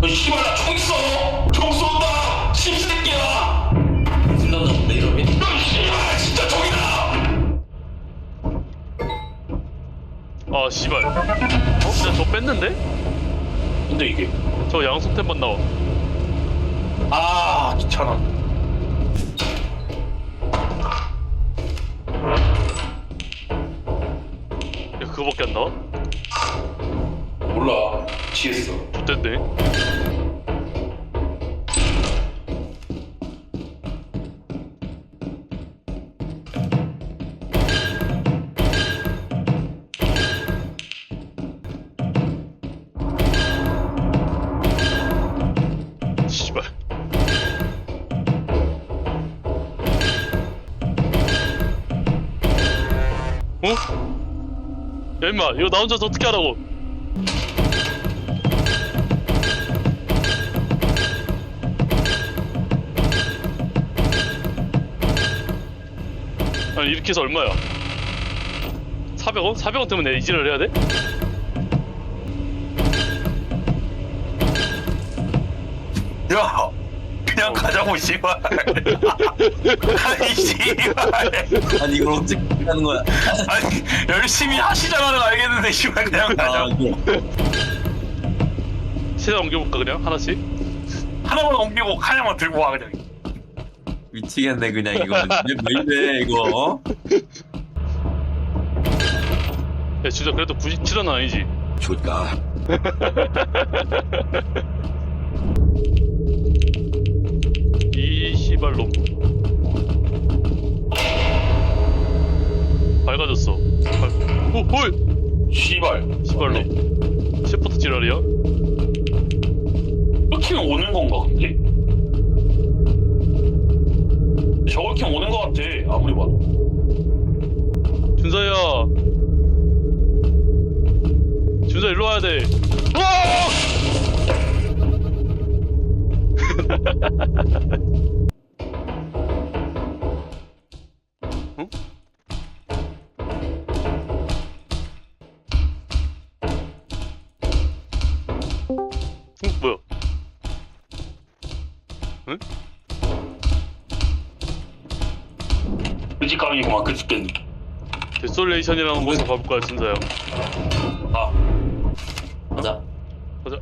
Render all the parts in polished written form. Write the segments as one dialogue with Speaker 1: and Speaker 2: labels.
Speaker 1: 씨발 나 총 있어. 총 쏜다. 씹새끼야.
Speaker 2: 질렀나 본데 이러면?
Speaker 1: 씨발 진짜 총이다.
Speaker 3: 아 씨발. 진짜 저 뺐는데?
Speaker 1: 근데 이게
Speaker 3: 저 양속템만 나와.
Speaker 1: 아 귀찮아.
Speaker 3: 야, 그거밖에 안 나와?
Speaker 1: 몰라. 취했어.
Speaker 3: 좋댔네. 씨발. 어? 야 임마 이거 나 혼자서 어떻게 하라고. 아니 이렇게 해서 얼마야? 400원? 400원 때문에 내 이질을 해야 돼?
Speaker 1: 야 그냥 가자고 씨발. 아니 씨발.
Speaker 2: 아니 이걸 어떻게 하는 거야?
Speaker 1: 아니 열심히 하시잖아는 알겠는데 씨발 그냥 가자고.
Speaker 3: 세장 옮겨볼까 그냥 하나씩?
Speaker 1: 하나만 옮기고 하나만 들고 와 그냥.
Speaker 2: 미치겠네 그냥 이거. 왜 이래 이거?
Speaker 3: 야 진짜 그래도 97원 아니지?
Speaker 2: 좋다.
Speaker 3: 이 씨발놈 밝아졌어. 오! 홀!
Speaker 1: 씨발.
Speaker 3: 씨발놈 셰퍼트 지랄이야?
Speaker 1: 이렇게 오는 건가 근데? 저렇게 오는 거 같아 아무리 봐도.
Speaker 3: 준서야 준서 일로 와야 돼. 응? 뭐야? 응?
Speaker 1: 끄집감이구만 끄집겠네.
Speaker 3: 데솔레이션이라는 곳에 가볼까요 준서야?
Speaker 1: 아
Speaker 2: 가자.
Speaker 3: 가자.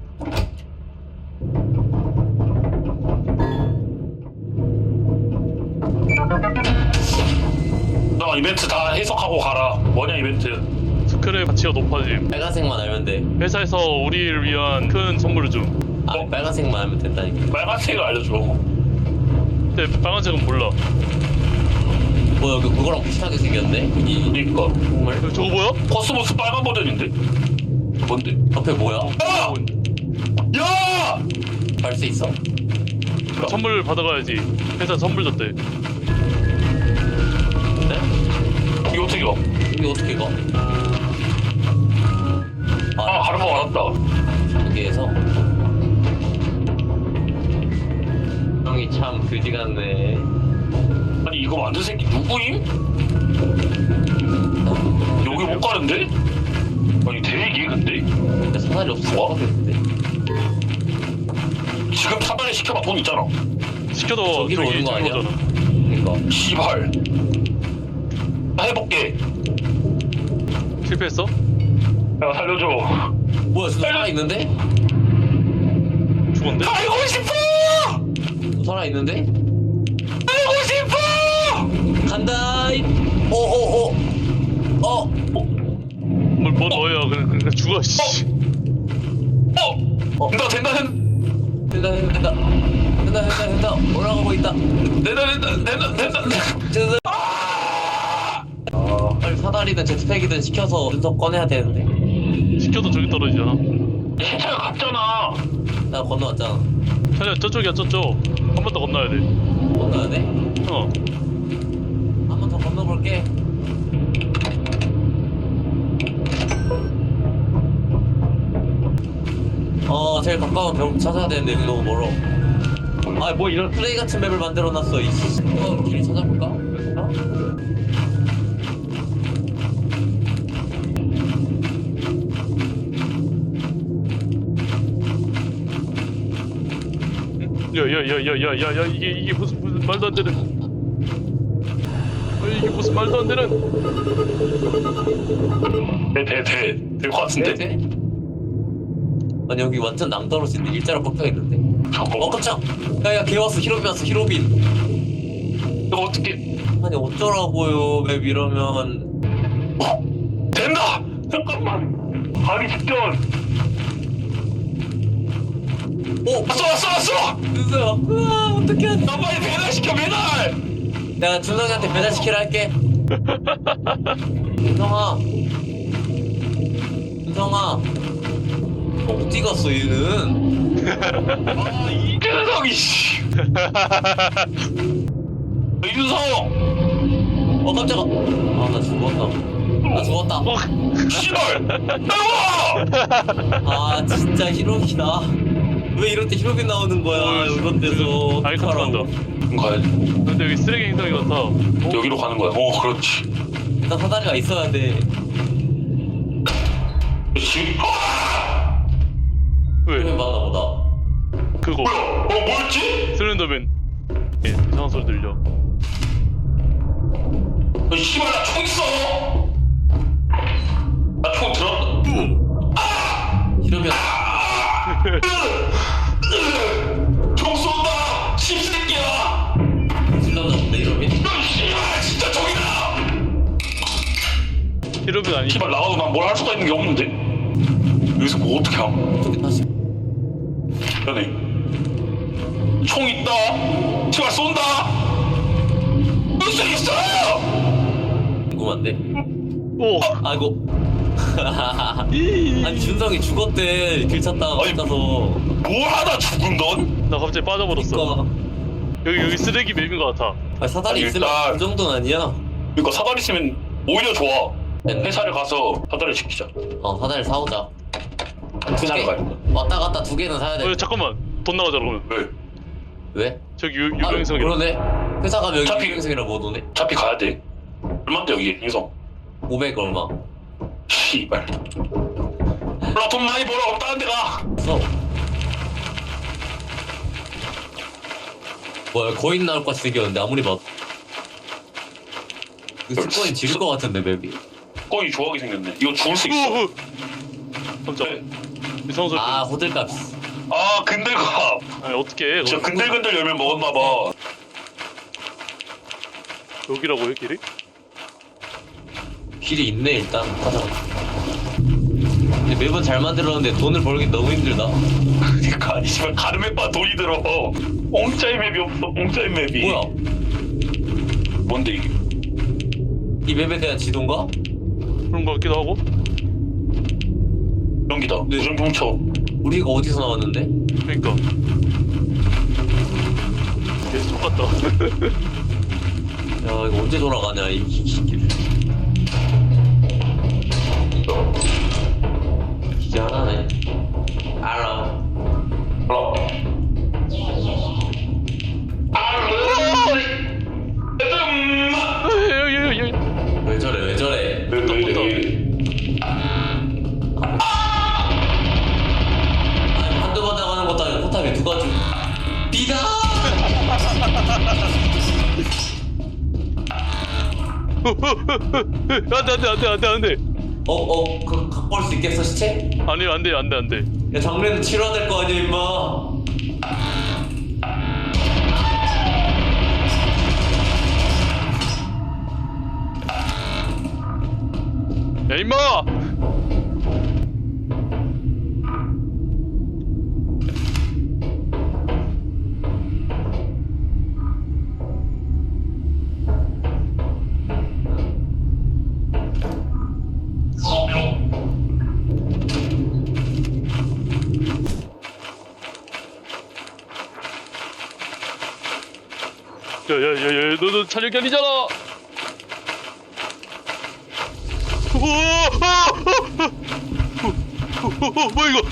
Speaker 1: 너 이벤트 다 해석하고 가라. 뭐냐 이벤트?
Speaker 3: 스크랩 가치가 높아짐.
Speaker 2: 빨간색만 알면 돼.
Speaker 3: 회사에서 우리를 위한 큰 선물을 줌.
Speaker 2: 아 빨간색만 알면 된다니까.
Speaker 1: 빨간색을 알려줘.
Speaker 3: 근데 빨간색은 몰라.
Speaker 2: 뭐 여기 그거랑 비슷하게 생겼네?
Speaker 1: 그니까
Speaker 2: 정말?
Speaker 3: 저거 뭐야?
Speaker 1: 코스모스 빨간 버전인데? 뭔데?
Speaker 2: 옆에 뭐야?
Speaker 1: 야! 야!
Speaker 2: 갈 수 있어?
Speaker 3: 선물 받아가야지. 회사 선물 줬대.
Speaker 2: 네?
Speaker 1: 이거 어떻게 가?
Speaker 2: 여기 어떻게 가?
Speaker 1: 아 가는 거 알았다.
Speaker 2: 여기에서 형이 참 그지 같네.
Speaker 1: 아니 이거 만든 새끼 누구임? 여기 못 가는데? 아니 대기 근데?
Speaker 2: 근데 사다리 없어.
Speaker 1: 뭐?
Speaker 2: 모르겠는데.
Speaker 1: 지금 사다리 시켜봐 돈 있잖아.
Speaker 3: 시켜도
Speaker 2: 저기로
Speaker 3: 저기
Speaker 2: 오는 거 아니야?
Speaker 3: 거잖아.
Speaker 2: 그러니까
Speaker 1: 씨발. 나 해볼게.
Speaker 3: 실패했어?
Speaker 1: 야 살려줘.
Speaker 2: 뭐야 저 살아 있는데?
Speaker 3: 죽었는데?
Speaker 1: 살고 싶어!
Speaker 2: 살아 있는데?
Speaker 1: 살고 싶어!
Speaker 2: 간다. 오오오.
Speaker 3: 뭘 넣어야 그냥 죽어 씨.
Speaker 1: 된다 된다 된다
Speaker 2: 된다. 올라가고 있다.
Speaker 1: 된다.
Speaker 2: 빨리 사다리든 제트팩이든 시켜서 분석 꺼내야 되는데.
Speaker 3: 시켜도 저기 떨어지잖아.
Speaker 1: 시차가 같잖아.
Speaker 2: 나 건너왔잖아.
Speaker 3: 차려 저쪽이야 저쪽. 한 번 더 건너야 돼.
Speaker 2: 건너야 돼?
Speaker 3: 어.
Speaker 2: 한 번 더 건너볼게. 제일 가까운 벽 찾아야 되는데 여기 너무 멀어. 아, 뭐 이런 플레이 같은 맵을 만들어놨어. 이씨. 길 찾아볼까? 여기가?
Speaker 3: 야야야야야야야 이게 무슨 말도 안 되는 이게 무슨 말도 안 되는
Speaker 1: 될것 같은데?
Speaker 2: 돼? 아니 여기 완전 낭떠러지인데 일자로 뻑뻑했는데.
Speaker 1: 잠깐만.
Speaker 2: 깜짝. 야야 걔 왔어. 히로빈 왔어. 히로빈.
Speaker 1: 이거 어떻게
Speaker 2: 아니 어쩌라고요 맵 이러면.
Speaker 1: 된다! 잠깐만. 가기 직전.
Speaker 2: 오
Speaker 1: 왔어!
Speaker 2: 준서야. 어떡해.
Speaker 1: 나 빨리 배달시켜, 배달!
Speaker 2: 내가 준성이한테 배달시키라 할게. 준성아. 어디 갔어 얘는?
Speaker 1: 아, 이준성이, 씨. 이준성!
Speaker 2: 깜짝아. 아 나 죽었다.
Speaker 1: 씨발! 나와!
Speaker 2: 아 진짜 히로빈아. 왜 이럴 때 히로빈 나오는 거야 이런 데서.
Speaker 3: 아이 컨트롤한다.
Speaker 1: 가야지.
Speaker 3: 근데 여기 쓰레기 행성이 같아.
Speaker 1: 여기로 가는 거야. 그렇지.
Speaker 2: 일단 사다리가 있어야 돼.
Speaker 1: 그렇지.
Speaker 3: 왜?
Speaker 2: 히로빈 맞나 보다.
Speaker 3: 그거
Speaker 1: 뭐였지?
Speaker 3: 슬렌더맨. 예, 이상한 소리 들려.
Speaker 1: 씨발, 나 총 있어! 나 총 들었다.
Speaker 2: 히로빈.
Speaker 1: 총 쏜다! 씹새끼야!
Speaker 2: 질렀나 본데 히로빈?
Speaker 1: 씨발, 진짜 총이다!
Speaker 3: 히로빈 아니.
Speaker 1: 씨발, 나가도 난 뭘 할 수가 있는 게 없는데? 여기서 뭐 어떻게 함?
Speaker 2: 저기 다시.
Speaker 1: 연애. 총 있다! 씨발, 쏜다! 무슨 있어!
Speaker 2: 궁금한데.
Speaker 3: 오.
Speaker 2: 아이고. 아니 준성이 죽었대 길 찾다가
Speaker 1: 아니,
Speaker 2: 가서.
Speaker 1: 뭘 하다 죽은 넌?
Speaker 3: 나 갑자기 빠져버렸어. 여기 쓰레기 맵인 것 같아.
Speaker 2: 아 사다리
Speaker 1: 아니,
Speaker 2: 있으면
Speaker 1: 일단-
Speaker 2: 그 정도는 아니야.
Speaker 1: 그러니까 사다리 있으면 오히려 좋아. 회사를 가서 사다리 시키자.
Speaker 2: 사다리 사오자.
Speaker 1: 회사를 가야 돼.
Speaker 2: 왔다 갔다 두 개는 사야 돼.
Speaker 3: 잠깐만 돈 나가자 그러면.
Speaker 1: 왜?
Speaker 2: 왜?
Speaker 3: 저기
Speaker 2: 아
Speaker 3: 유명성이.
Speaker 2: 그러네. 회사 가면 여기
Speaker 1: 어차피-
Speaker 2: 유명성이라고 못 오네.
Speaker 1: 어차피 가야 돼. 얼마인데 여기 인성?
Speaker 2: 500 얼마.
Speaker 1: 씨발. 몰라, 돈 많이 벌어. 다른 데 가.
Speaker 2: 써. 뭐야 거인 나올 것 같이 생겼는데 아무리 봐도. 이거 스코인 지를 것 같은데 맵이.
Speaker 1: 거의 좋아하게 생겼네. 이거 죽을 수 있어.
Speaker 3: 깜짝.
Speaker 1: 네.
Speaker 3: 이상한 소리.
Speaker 2: 아 호들갑.
Speaker 1: 아, 근들갑.
Speaker 3: 아니 어떻게 해?
Speaker 1: 저 근들근들 열면 먹었나봐.
Speaker 3: 여기라고요 길이?
Speaker 2: 길이 있네 일단. 가자. 근데 맵은 잘 만들었는데 돈을 벌기 너무 힘들다.
Speaker 1: 그러니까 아니 씨발 가르메바 돈이 들어. 공짜의 맵이 없어. 공짜의 맵이.
Speaker 2: 뭐야?
Speaker 1: 뭔데 이게?
Speaker 2: 이 맵에 대한 지도인가?
Speaker 3: 그런 거 같기도 하고.
Speaker 1: 연기다.
Speaker 2: 네.
Speaker 1: 무전경쳐.
Speaker 2: 우리가 어디서 나왔는데?
Speaker 3: 그러니까. 계속 똑같다.
Speaker 2: 야 이거 언제 돌아가냐 이 길. 기계 하나네. 알아.
Speaker 1: 몰라.
Speaker 3: 여기.
Speaker 2: 왜 저래?
Speaker 1: 왜 이래?
Speaker 2: 아니 한두 번 나가는 것도 아니고 포탑에 누가 좀 비다.
Speaker 3: 안돼.
Speaker 2: 그 갖고 올 수 있겠어 시체?
Speaker 3: 아니 안돼.
Speaker 2: 야 장례는 치러야 될 거 아니야 임마.
Speaker 3: 야 임마. 야야야야 너 촬영이 아니잖아. 뭐야 이거?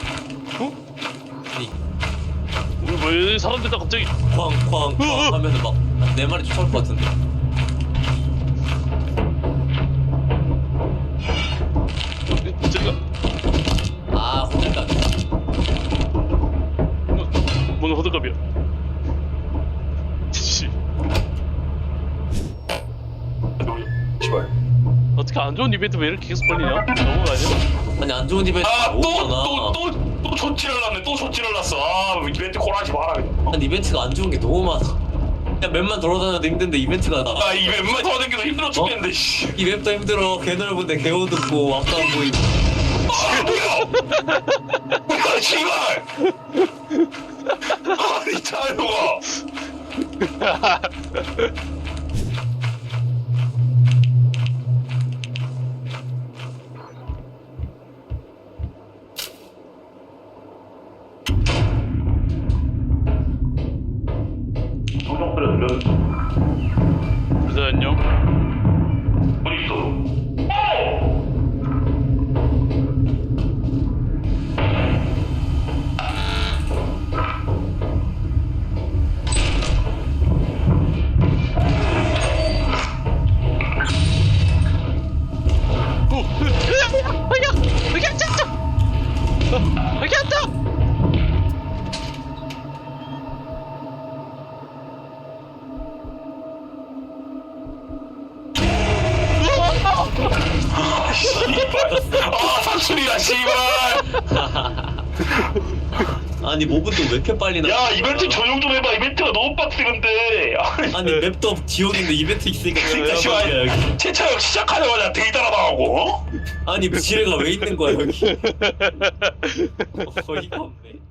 Speaker 3: 뭐야 사람들 다 갑자기.
Speaker 2: 쾅쾅쾅 하면서 막 내 말이 쫓아올 것 같은데.
Speaker 3: 제가
Speaker 2: 아 호들갑.
Speaker 3: 뭔 호들갑이야? 안 좋은 이벤트 왜 이렇게 계속 걸리냐? 너무 아니야?
Speaker 2: 아니 안 좋은 이벤트 너무 많아.
Speaker 1: 또 조치를 났네. 또 조치를 났어. 아 이벤트 콜하지 마라.
Speaker 2: 아니 이벤트가 안 좋은 게 너무 많아. 그냥 맵만 돌아다녀도 힘든데 이벤트가 나.
Speaker 1: 아 이게 웬만 돌아다니기도 힘들어 죽겠는데. 씨.
Speaker 2: 이 맵도 힘들어. 개 넓은데 개 어둡고 앞도 안 보이고.
Speaker 1: 아 뭐야? 뭐야 씨발. 아니 자유가. 조정 소리 들려?
Speaker 3: 그래서 안녕.
Speaker 1: 어디 있어?
Speaker 3: 여기 앉아!
Speaker 1: 아 사출이야 씨발.
Speaker 2: 아니 모브도 왜 이렇게 빨리 나?
Speaker 1: 야 이벤트 조용 좀 해봐. 이벤트가 너무 빡세는데.
Speaker 2: 아니 맵도 지옥인데 이벤트 있으니까 진짜
Speaker 1: 씨발
Speaker 2: 빨리야 여기.
Speaker 1: 채차역 시작하자마자 데이터나 나가고.
Speaker 2: 아니 지뢰가 왜 있는 거야 여기? 어이가 없네.